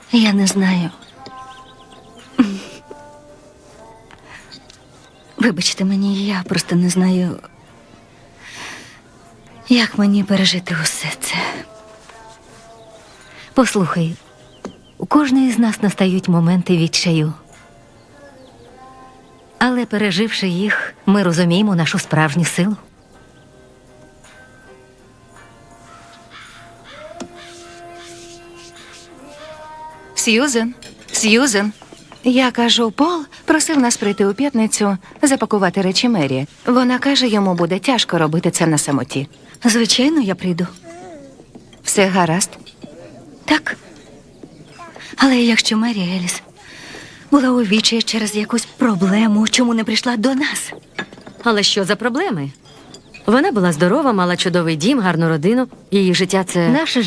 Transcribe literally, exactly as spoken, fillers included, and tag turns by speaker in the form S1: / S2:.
S1: Я не знаю. Вибачте мені, я просто не знаю, як мені пережити усе це.
S2: Послухай, у кожної з нас настають моменти відчаю. Але переживши їх, ми розуміємо нашу справжню силу.
S3: Сьюзен, Сьюзен. Я кажу, Пол просив нас прийти у п'ятницю запакувати речі Мері. Вона каже, йому буде тяжко робити це на самоті.
S1: Звичайно, я прийду.
S3: Все гаразд?
S1: Так. Але якщо Мері Еліс була у вічі через якусь проблему, чому не прийшла до нас?
S2: Але що за проблеми? Вона була здорова, мала чудовий дім, гарну родину. Її життя – це наше